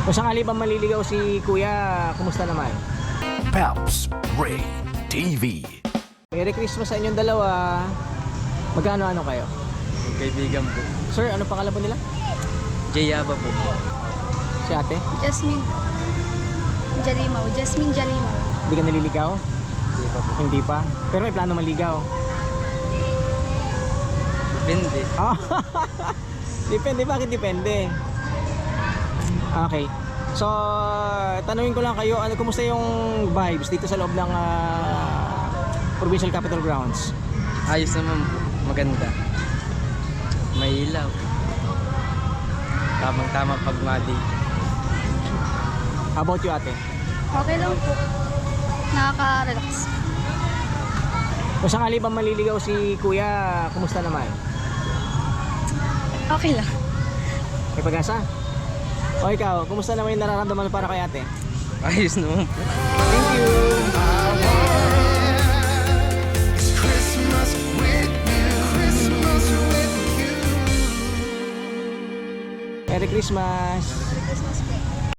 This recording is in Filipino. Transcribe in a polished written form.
Kung sakali ba maliligaw si Kuya, kumusta naman? Peps Ray TV. Merry Christmas sa inyong dalawa. Magkano-ano kayo? Kaibigan po. Sir, ano pangalan po nila? Jayaba po. Si ate? Jasmine Jalimaw. Jasmine Jalimaw. Hindi ka naliligaw? Hindi pa po. Hindi pa? Pero may plano maligaw? Depende. Ah, depende, bakit depende? Okay. So, tanungin ko lang kayo, ano kumusta yung vibes dito sa loob ng Provincial Capital Grounds? Ayos naman po. Maganda. May ilaw. Tamang-tama pag mali. How about you, ate? Okay lang po. Nakaka-relax. Kung sakali ba maliligaw si Kuya, kumusta naman? Okay lang. May pag-asa? O ikaw, kumusta naman yung nararamdaman mo para kay ate? Ayos naman po. Thank you! Merry Christmas!